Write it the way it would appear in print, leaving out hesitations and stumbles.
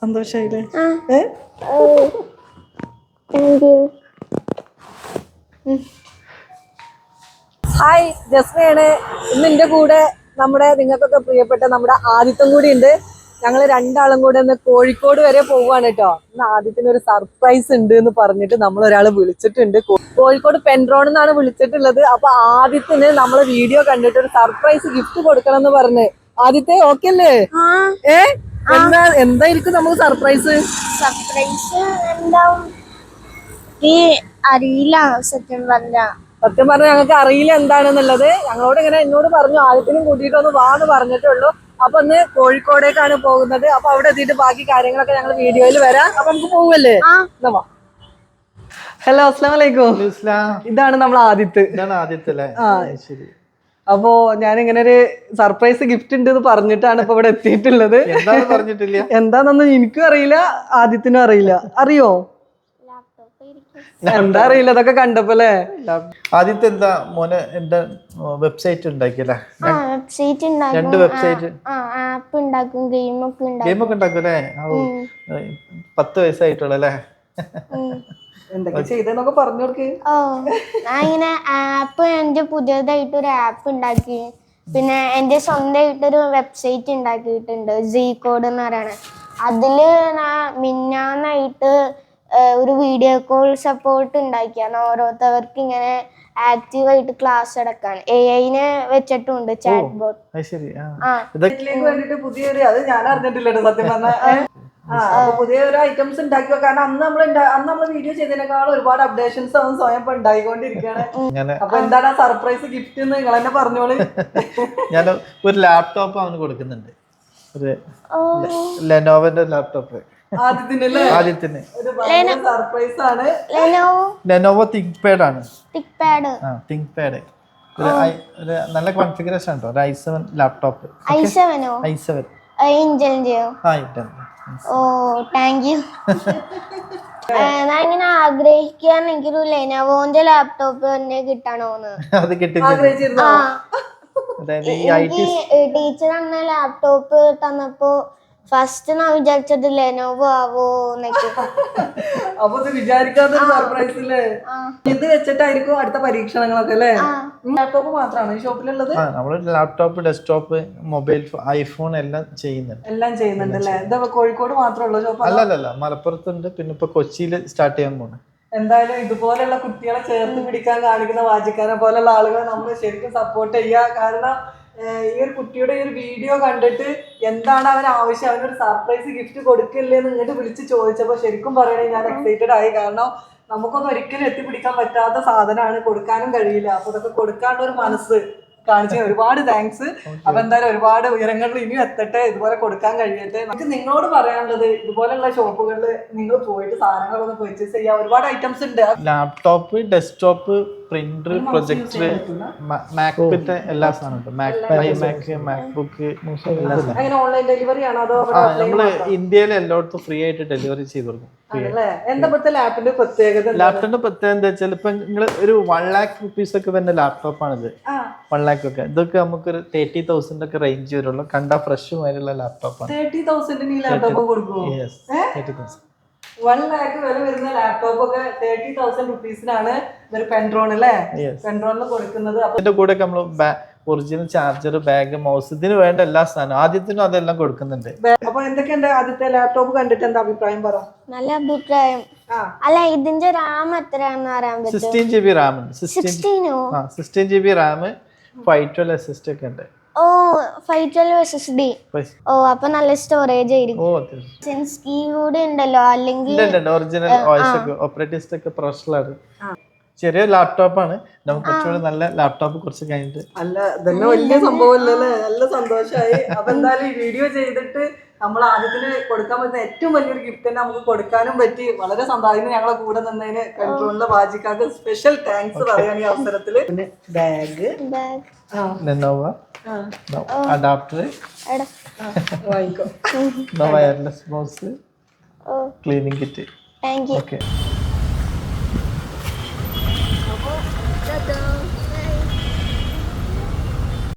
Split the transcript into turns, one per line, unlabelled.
സന്തോഷായില്ലേ? Hi, ജസ്മയാണ്. ഇന്ന് എൻ്റെ കൂടെ നമ്മുടെ നിങ്ങൾക്കൊക്കെ പ്രിയപ്പെട്ട നമ്മുടെ ആദിത്യം കൂടി ഉണ്ട്. ഞങ്ങൾ രണ്ടാളും കൂടെ ഒന്ന് കോഴിക്കോട് വരെ പോവാണ് കേട്ടോ. ഇന്ന് ആദിത്യന് ഒരു സർപ്രൈസ് ഉണ്ട് എന്ന് പറഞ്ഞിട്ട് നമ്മളൊരാൾ വിളിച്ചിട്ടുണ്ട്. കോഴിക്കോട് പെൻട്രോൺ എന്നാണ് വിളിച്ചിട്ടുള്ളത്. അപ്പൊ ആദിത്യന് നമ്മളെ വീഡിയോ കണ്ടിട്ട് ഒരു സർപ്രൈസ് ഗിഫ്റ്റ് കൊടുക്കണം എന്ന് പറഞ്ഞ്. ആദിത്യ ഓക്കെ അല്ലേ? എന്തായിരിക്കും നമുക്ക് സർപ്രൈസ്?
സർപ്രൈസ് എന്താവും അറിയില്ല. സത്യം പറഞ്ഞാൽ
ഞങ്ങൾക്ക് അറിയില്ല എന്താണെന്നുള്ളത്. ഞങ്ങളോട് ഇങ്ങനെ എന്നോട് പറഞ്ഞു ആദ്യത്തിനും കൂട്ടിയിട്ടൊന്ന് വാന്ന് പറഞ്ഞിട്ടുള്ളൂ. അപ്പൊ ഇന്ന് കോഴിക്കോടേക്കാണ് പോകുന്നത്. അപ്പൊ അവിടെ എത്തിയിട്ട് ബാക്കി കാര്യങ്ങളൊക്കെ ഞങ്ങൾ വീഡിയോയിൽ വരാം. അപ്പൊ നമുക്ക് പോവല്ലേ? ഹലോ, അസ്സലാമു അലൈക്കും. ഇതാണ് നമ്മൾ ആദിത്യ. അപ്പോ ഞാനിങ്ങനെ ഒരു സർപ്രൈസ് ഗിഫ്റ്റ് ഉണ്ട് എന്ന് പറഞ്ഞിട്ടാണ് ഇപ്പൊ ഇവിടെ എത്തിയിട്ടുള്ളത്. എന്താണെന്നൊന്നും എനിക്കും അറിയില്ല, ആദിത്യനും അറിയില്ല. അറിയോ? എന്താ അറിയില്ല, അതൊക്കെ കണ്ടപ്പോലെ.
ആദ്യത്തെ എന്താ മോനെ എന്താ വെബ്സൈറ്റ് ഉണ്ടാക്കിയല്ലേ? രണ്ട് വെബ്സൈറ്റ്
ആപ്പ് ഉണ്ടാക്കും, ഗെയിമൊക്കെ
ഉണ്ടാക്കും അല്ലേ? 10 വയസ്സായിട്ടുള്ളല്ലേ?
എന്തൊക്കെ ചെയ്തെന്നൊക്കെ പറഞ്ഞു കൊടുക്ക്.
ഞാൻ ഇങ്ങനെ ആപ്പ്, എന്റെ പുതിയതായിട്ട് ഒരു ആപ്പ് ഉണ്ടാക്കി. പിന്നെ എന്റെ സ്വന്തമായിട്ടൊരു വെബ്സൈറ്റ് ഉണ്ടാക്കിയിട്ടുണ്ട്, Zcode എന്ന് പറയണത്. അതില് ഞാൻ മിന്നാന്നായിട്ട് ഒരു വീഡിയോ കോൾ സപ്പോർട്ട് ഉണ്ടാക്കിയാണ്. ഓരോരുത്തർക്ക് ഇങ്ങനെ ആക്റ്റീവായിട്ട് ക്ലാസ് എടുക്കാൻ AI-നെ വെച്ചിട്ടുണ്ട്, ചാറ്റ് ബോട്ട്.
പുതിയൊരു അത് ഞാൻ അറിഞ്ഞിട്ടില്ല സത്യം പറഞ്ഞാൽ. പുതിയൊരു ഐറ്റംസ് ഉണ്ടാക്കി. കാരണം അന്ന് നമ്മൾ വീഡിയോ ചെയ്തതിനേക്കാളും ഒരുപാട് അപ്ഡേഷൻസ് അവൻ സ്വയം ഇപ്പൊ ഉണ്ടായിക്കൊണ്ടിരിക്കുകയാണ്. അപ്പൊ എന്താണ് ആ സർപ്രൈസ് ഗിഫ്റ്റ് എന്ന് നിങ്ങൾ തന്നെ പറഞ്ഞോളൂ.
ഞാൻ ഒരു ലാപ്ടോപ്പ് അവന് കൊടുക്കുന്നുണ്ട്, ഒരു ലെനോവോന്റെ ലാപ്ടോപ്പ്. ആദ്യത്തിന്
സർപ്രൈസ് ആണ്.
ലെനോവോ തിങ്ക്പാഡ് ആണ്. തിങ്ക്പാഡ് ഒരു നല്ല കോൺഫിഗറേഷൻ ഉണ്ടോ? ഒരു i7 laptop. i7
oh, thank you. ഞാൻ ഇങ്ങനെ ആഗ്രഹിക്കാൻ എനിക്കൊരു ലെനോവോന്റെ ലാപ്ടോപ്പ് തന്നെ കിട്ടണോന്ന്.
അത്
ടീച്ചർ അന്ന് ലാപ്ടോപ്പ് തന്നപ്പോ ഫസ്റ്റ് ഞാൻ വിചാരിച്ചത് ലെനോവോ ആവോ എന്നൊക്കെ.
അപ്പൊ ഇത് വിചാരിക്കാത്ത സർപ്രൈസ് അല്ലേ? ഇത് വെച്ചിട്ടായിരിക്കും അടുത്ത പരീക്ഷണങ്ങളൊക്കെ അല്ലേ? ലാപ്ടോപ്പ് മാത്രമാണ് ഈ ഷോപ്പിലുള്ളത്?
നമ്മള് ലാപ്ടോപ്പ്, ഡെസ്ക്ടോപ്പ്, മൊബൈൽ, ഐഫോൺ എല്ലാം
ചെയ്യുന്നുണ്ട് അല്ലേ? എന്താ കോഴിക്കോട് മാത്രമുള്ള ഷോപ്പ്?
അല്ലല്ല, മലപ്പുറത്തുണ്ട്. പിന്നെ ഇപ്പൊ കൊച്ചിയിൽ സ്റ്റാർട്ട് ചെയ്യാൻ പോണേ.
എന്തായാലും ഇതുപോലെയുള്ള കുട്ടികളെ ചേർത്ത് പിടിക്കാൻ കാണിക്കുന്ന വാജിക്കാനെ പോലെയുള്ള ആളുകളെ നമ്മൾ ശരിക്കും സപ്പോർട്ട് ചെയ്യുക. കാരണം ഈ ഒരു കുട്ടിയുടെ ഈ ഒരു വീഡിയോ കണ്ടിട്ട് എന്താണ് അവൻ ആവശ്യം, അവനൊരു സർപ്രൈസ് ഗിഫ്റ്റ് കൊടുക്കില്ലേ എന്ന് ഇങ്ങോട്ട് വിളിച്ച് ചോദിച്ചപ്പോൾ ശരിക്കും പറയണേ ഞാൻ എക്സൈറ്റഡ് ആയി. കാരണം നമുക്കൊന്നും ഒരിക്കലും എത്തിപ്പിടിക്കാൻ പറ്റാത്ത സാധനമാണ്, കൊടുക്കാനും കഴിയില്ല. അപ്പൊ ഇതൊക്കെ കൊടുക്കാനുള്ള ഒരു മനസ്സ് കാണിച്ചു ഒരുപാട് താങ്ക്സ്. അപ്പൊ എന്തായാലും ഒരുപാട് ഉയരങ്ങളിൽ ഇനിയും എത്തട്ടെ, ഇതുപോലെ കൊടുക്കാൻ കഴിയട്ടെ. നമുക്ക് നിങ്ങളോട് പറയാനുള്ളത് ഇതുപോലെയുള്ള ഷോപ്പുകളിൽ നിങ്ങൾ പോയിട്ട് സാധനങ്ങളൊന്ന് പർച്ചേസ് ചെയ്യാം. ഒരുപാട് ഐറ്റംസ് ഉണ്ട്. ലാപ്ടോപ്പ്,
ഡെസ്ക്ടോപ്പ്, പ്രിന്റർ, പ്രൊജക്ടർ, മാക്ബുക്കിന്റെ എല്ലാ സാധനവും. മാക്ബുക്ക്
അങ്ങനെ ഓൺലൈൻ ഡെലിവറി ആണോ അതോ
നമ്മള് ഇന്ത്യയിൽ എല്ലായിടത്തും ഫ്രീ ആയിട്ട് ഡെലിവറി ചെയ്ത് കൊടുക്കും.
എന്താ ലാപ്പിന്റെ പ്രത്യേകത?
ലാപ്ടോപ്പിന്റെ പ്രത്യേകത എന്താ വെച്ചാൽ ഇപ്പൊ നിങ്ങൾ ഒരു 1 lakh rupees ഒക്കെ വരുന്ന ലാപ്ടോപ്പാണിത്. 1 lakh ഒക്കെ ഇതൊക്കെ നമുക്കൊരു 30,000 ഒക്കെ റേഞ്ച് വരുള്ളൂ. കണ്ട ഫ്രഷ് മാതിരിയുള്ള ലാപ്ടോപ്പാണ്.
30,000 ഈ ലാപ്ടോപ്പ് കൊടുക്കും?
30,000.
1 lakh വില വരുന്ന ലാപ്ടോപ്പ് ഒക്കെ 30,000 റുപ്പീസിനാണ് ഒരു പെൻട്രോൺ അല്ലേ? പെൻട്രോണിന് കൊടുക്കുന്നത്.
അതിന്റെ കൂടെ നമ്മള് ഒറിജിനൽ ചാർജർ, ബാഗ്, മൗസ്, ഇതിന് വേണ്ട എല്ലാ സാധനവും ആദ്യത്തിനും അതെല്ലാം കൊടുക്കുന്നുണ്ട്.
അപ്പൊ എന്തൊക്കെയുണ്ട് ആദ്യത്തെ ലാപ്ടോപ്പ് കണ്ടിട്ട് എന്താ അഭിപ്രായം പറ?
നല്ല അഭിപ്രായം. അല്ല, ഇതിന്റെ റാം എത്രയാണെന്ന് അറിയാൻ പറ്റും?
16 GB റാം ഉണ്ട്. 16 GB റാം, 512 SSD ഒക്കെ ഉണ്ട്.
ഓ, 512 SSD. ഓ, അപ്പൊ നല്ല സ്റ്റോറേജ് ആയിരിക്കും. സെൻസ് കീ കൂടി ഉണ്ടല്ലോ, അല്ലെങ്കിൽ
ഒറിജിനൽ ഓപ്പറേറ്റിംഗ് സിസ്റ്റം ഒക്കെ പ്രൊഫഷണൽ ആണ്. ചെറിയ ലാപ്ടോപ്പാണ്. നമുക്ക് കുറച്ചുകൂടി നല്ല ലാപ്ടോപ്പ് കുറച്ച് കഴിഞ്ഞിട്ട്.
അല്ല, ഇതന്നെ വലിയ സംഭവമല്ലേ? നല്ല സന്തോഷമായി. അപ്പൊ എന്തായാലും ഈ വീഡിയോ ചെയ്തിട്ട് നമ്മൾ ആദ്യത്തിന് കൊടുക്കാൻ പറ്റുന്ന ഏറ്റവും വലിയൊരു ഗിഫ്റ്റ് തന്നെ നമുക്ക് കൊടുക്കാനും പറ്റി. വളരെ സന്തോഷം. ഞങ്ങളെ കൂടെ നിന്നതിന് കൺട്രോളിലെ വാജിക്കാർക്ക് സ്പെഷ്യൽ താങ്ക്സ് പറയാൻ ഈ അവസരത്തില്. പിന്നെ ബാഗ്,
ലെനോവോ അഡാപ്റ്റർ,
വാങ്ങിക്കോ,
wireless mouse, cleaning kit.
Thank U.